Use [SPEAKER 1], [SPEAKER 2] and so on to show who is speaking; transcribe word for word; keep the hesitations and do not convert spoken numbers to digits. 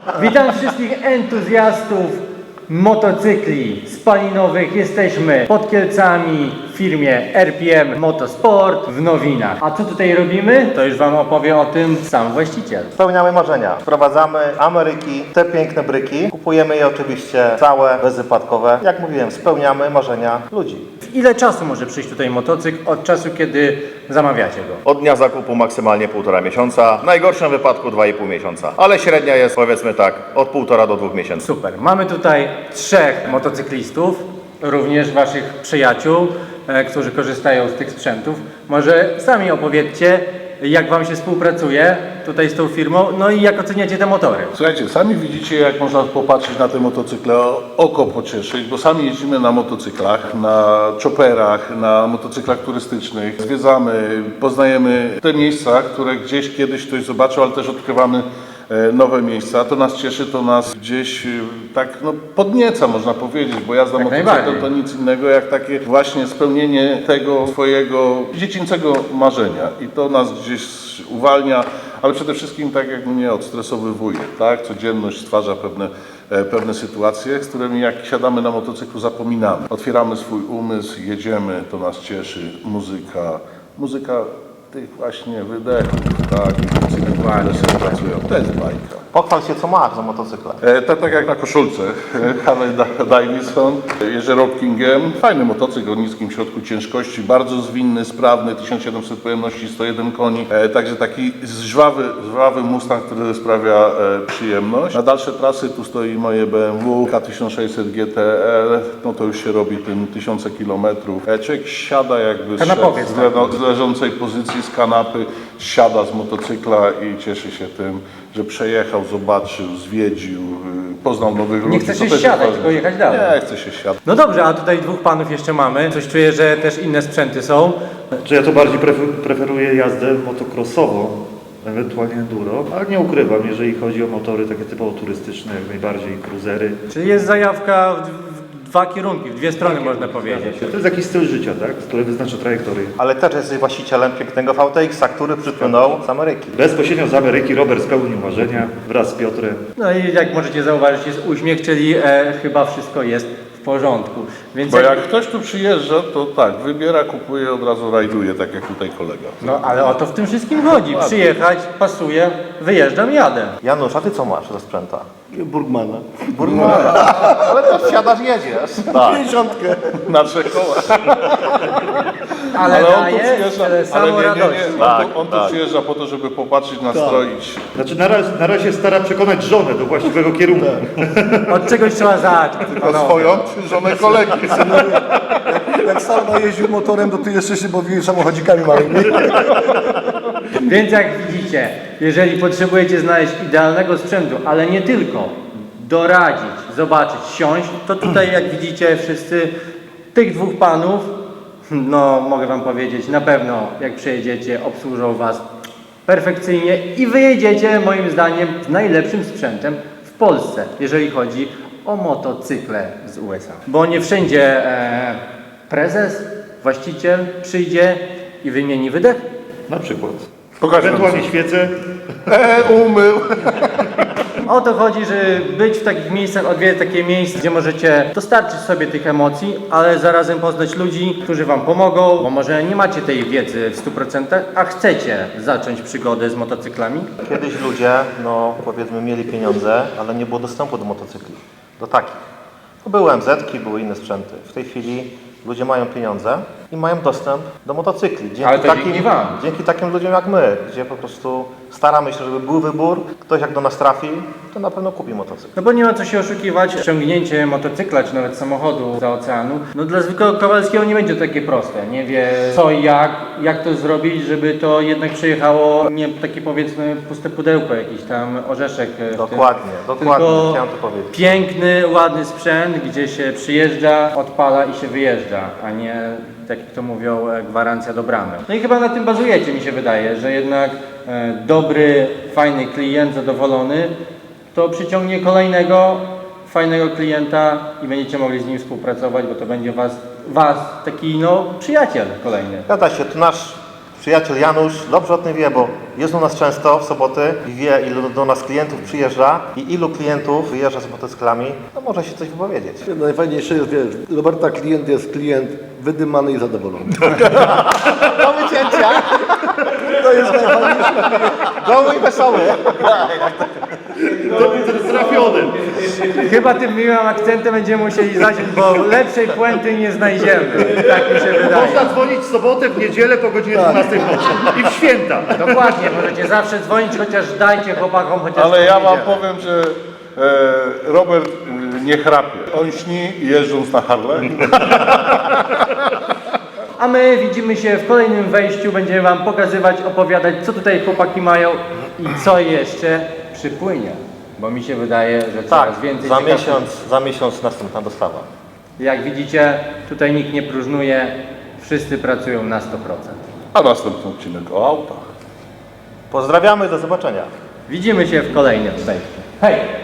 [SPEAKER 1] Witam wszystkich entuzjastów motocykli spalinowych. Jesteśmy pod Kielcami w firmie R P M Motorsport w Nowinach. A co tutaj robimy? To już Wam opowie o tym sam właściciel.
[SPEAKER 2] Spełniamy marzenia. Wprowadzamy Ameryki, te piękne bryki. Kupujemy je oczywiście całe, bezwypadkowe. Jak mówiłem, spełniamy marzenia ludzi.
[SPEAKER 1] W ile czasu może przyjść tutaj motocykl od czasu, kiedy zamawiacie go?
[SPEAKER 3] Od dnia zakupu maksymalnie półtora miesiąca, w najgorszym wypadku dwa i pół miesiąca, ale średnia jest, powiedzmy tak, od półtora do dwóch miesięcy.
[SPEAKER 1] Super. Mamy tutaj trzech motocyklistów, również Waszych przyjaciół, e, którzy korzystają z tych sprzętów. Może sami opowiedzcie, jak Wam się współpracuje tutaj z tą firmą, no i jak oceniacie te motory.
[SPEAKER 4] Słuchajcie, sami widzicie, jak można popatrzeć na te motocykle, oko pocieszyć, bo sami jeździmy na motocyklach, na chopperach, na motocyklach turystycznych. Zwiedzamy, poznajemy te miejsca, które gdzieś kiedyś ktoś zobaczył, ale też odkrywamy nowe miejsca. To nas cieszy, to nas gdzieś tak no, podnieca, można powiedzieć, bo jazda motocyklem to nic innego jak takie właśnie spełnienie tego swojego dziecięcego marzenia i to nas gdzieś uwalnia, ale przede wszystkim tak jak mnie odstresowywuje, tak? Codzienność stwarza pewne, pewne sytuacje, z którymi jak siadamy na motocyklu zapominamy. Otwieramy swój umysł, jedziemy, to nas cieszy, muzyka, muzyka tych właśnie wydechów, tak, które sobie pracują. To jest bajka.
[SPEAKER 2] Pochwal się, co masz za motocykle.
[SPEAKER 4] E, tak, tak jak na koszulce. Harley Davidson, jeżdżę Road Kingiem. Fajny motocykl o niskim środku ciężkości, bardzo zwinny, sprawny, tysiąc siedemset pojemności, sto jeden koni. E, także taki żwawy, żwawy Mustang, który sprawia e, przyjemność. Na dalsze trasy tu stoi moje B M W K tysiąc sześćset G T R. No to już się robi tym tysiące kilometrów. E, człowiek siada jakby z, z, le, z leżącej pozycji, z kanapy, siada z motocykla i cieszy się tym, że przejechał, zobaczył, zwiedził, poznał nowych ludzi.
[SPEAKER 1] Nie chce się siadać, tylko jechać dalej.
[SPEAKER 4] Nie, chce się siadać.
[SPEAKER 1] No dobrze, a tutaj dwóch panów jeszcze mamy. Coś czuję, że też inne sprzęty są.
[SPEAKER 5] Czy ja to bardziej prefer- preferuję jazdę motocrossową, ewentualnie enduro, ale nie ukrywam, jeżeli chodzi o motory takie typowo turystyczne, jak najbardziej cruisery.
[SPEAKER 1] Czyli jest zajawka w, w dwa kierunki, w dwie strony można powiedzieć.
[SPEAKER 5] To jest jakiś styl życia, tak? Który wyznacza trajektorię.
[SPEAKER 2] Ale też jesteś właścicielem pięknego V T X a, który przypłynął z Ameryki.
[SPEAKER 5] Bezpośrednio z Ameryki Robert spełnił marzenia wraz z Piotrem.
[SPEAKER 1] No i jak możecie zauważyć, jest uśmiech, czyli e, chyba wszystko jest w porządku. Więc
[SPEAKER 4] Bo jak ktoś tu przyjeżdża, to tak, wybiera, kupuje, od razu rajduje, tak jak tutaj kolega.
[SPEAKER 1] No ale o to w tym wszystkim chodzi. Przyjechać, pasuje, wyjeżdżam, jadę.
[SPEAKER 2] Janusz, a ty co masz za sprzęta?
[SPEAKER 6] Burgmana.
[SPEAKER 2] Burgmana. Ale to wsiadasz, jedziesz.
[SPEAKER 4] Tak,
[SPEAKER 6] pięćdziesiątkę.
[SPEAKER 4] na trzech kołach.
[SPEAKER 1] Ale,
[SPEAKER 4] Ale on tu
[SPEAKER 1] daje
[SPEAKER 4] przyjeżdża,
[SPEAKER 1] tyle
[SPEAKER 4] ale
[SPEAKER 1] samo
[SPEAKER 4] nie, nie,
[SPEAKER 1] radości.
[SPEAKER 4] nie. On, tu, on tu przyjeżdża po to, żeby popatrzeć, nastroić.
[SPEAKER 5] Znaczy na razie, na razie stara przekonać żonę do właściwego kierunku.
[SPEAKER 1] Od czegoś trzeba zacząć.
[SPEAKER 4] To
[SPEAKER 1] panowie.
[SPEAKER 4] swoją czy żonę kolegi.
[SPEAKER 6] Jak Sarna jeździł motorem, to ty jeszcze się bawiłeś samochodzikami małymi.
[SPEAKER 1] Więc jak widzicie, jeżeli potrzebujecie znaleźć idealnego sprzętu, ale nie tylko, doradzić, zobaczyć, siąść, to tutaj jak widzicie wszyscy tych dwóch panów, no mogę Wam powiedzieć, na pewno jak przyjedziecie, obsłużą Was perfekcyjnie i wyjedziecie moim zdaniem z najlepszym sprzętem w Polsce, jeżeli chodzi o motocykle z U S A. Bo nie wszędzie e, prezes, właściciel przyjdzie i wymieni wydech.
[SPEAKER 5] Na przykład.
[SPEAKER 4] Pokaż nam
[SPEAKER 5] Ewentualnie świecę.
[SPEAKER 4] E, umył.
[SPEAKER 1] O to chodzi, żeby być w takich miejscach, odwiedzać takie miejsca, gdzie możecie dostarczyć sobie tych emocji, ale zarazem poznać ludzi, którzy Wam pomogą, bo może nie macie tej wiedzy w stu procentach, a chcecie zacząć przygodę z motocyklami.
[SPEAKER 2] Kiedyś ludzie, no powiedzmy, mieli pieniądze, ale nie było dostępu do motocykli. Do takich. To były M Z-ki, były inne sprzęty. W tej chwili ludzie mają pieniądze i mają dostęp do motocykli. Dzięki,
[SPEAKER 1] Ale to
[SPEAKER 2] takim,
[SPEAKER 1] dzięki wam.
[SPEAKER 2] dzięki takim ludziom jak my, gdzie po prostu staramy się, żeby był wybór. Ktoś jak do nas trafi, to na pewno kupi motocykl.
[SPEAKER 1] No bo nie ma co się oszukiwać, ściągnięcie motocykla czy nawet samochodu za oceanu, no dla zwykłego Kowalskiego nie będzie takie proste. Nie wie co i jak, jak to zrobić, żeby to jednak przejechało nie takie powiedzmy puste pudełko, jakiś tam orzeszek. w
[SPEAKER 2] Dokładnie,
[SPEAKER 1] tym,
[SPEAKER 2] dokładnie,
[SPEAKER 1] tylko
[SPEAKER 2] chciałem to powiedzieć.
[SPEAKER 1] piękny, ładny sprzęt, gdzie się przyjeżdża, odpala i się wyjeżdża, a nie tak jak to mówią, e, gwarancja do bramy. No i chyba na tym bazujecie, mi się wydaje, że jednak e, dobry, fajny klient, zadowolony, to przyciągnie kolejnego fajnego klienta i będziecie mogli z nim współpracować, bo to będzie was, was taki no, przyjaciel kolejny.
[SPEAKER 2] Zgadza się, to nasz przyjaciel Janusz dobrze o tym wie, bo jest u nas często w soboty i wie, ilu do nas klientów przyjeżdża i ilu klientów wyjeżdża z motocyklami, to może się coś wypowiedzieć.
[SPEAKER 6] Najfajniejsze jest, wiesz, Roberta klient jest klient wydymany i zadowolony.
[SPEAKER 2] Do wycięcia!
[SPEAKER 6] To jest najfajniejsze.
[SPEAKER 2] Goły i wesoły!
[SPEAKER 5] Trafiony.
[SPEAKER 1] Chyba tym miłym akcentem będziemy musieli zacząć, bo lepszej puenty nie znajdziemy. Tak mi się wydaje.
[SPEAKER 5] Można dzwonić w sobotę, w niedzielę po godzinie dwunastej w nocy. I w święta.
[SPEAKER 1] Dokładnie, możecie zawsze dzwonić, chociaż dajcie chłopakom chociaż
[SPEAKER 4] Ale
[SPEAKER 1] tą
[SPEAKER 4] ja wam
[SPEAKER 1] niedzielę.
[SPEAKER 4] powiem, że e, Robert e, nie chrapie. On śni jeżdżąc na Harley.
[SPEAKER 1] A my widzimy się w kolejnym wejściu, będziemy wam pokazywać, opowiadać, co tutaj chłopaki mają i co jeszcze przypłynie. Bo mi się wydaje, że coraz
[SPEAKER 2] Tak,
[SPEAKER 1] więcej
[SPEAKER 2] za
[SPEAKER 1] ciekawych-
[SPEAKER 2] miesiąc, za miesiąc następna dostawa.
[SPEAKER 1] Jak widzicie, tutaj nikt nie próżnuje, wszyscy pracują na sto procent.
[SPEAKER 4] A następny odcinek o autach.
[SPEAKER 2] Pozdrawiamy, do zobaczenia.
[SPEAKER 1] Widzimy się w kolejnym wejściu. Hej!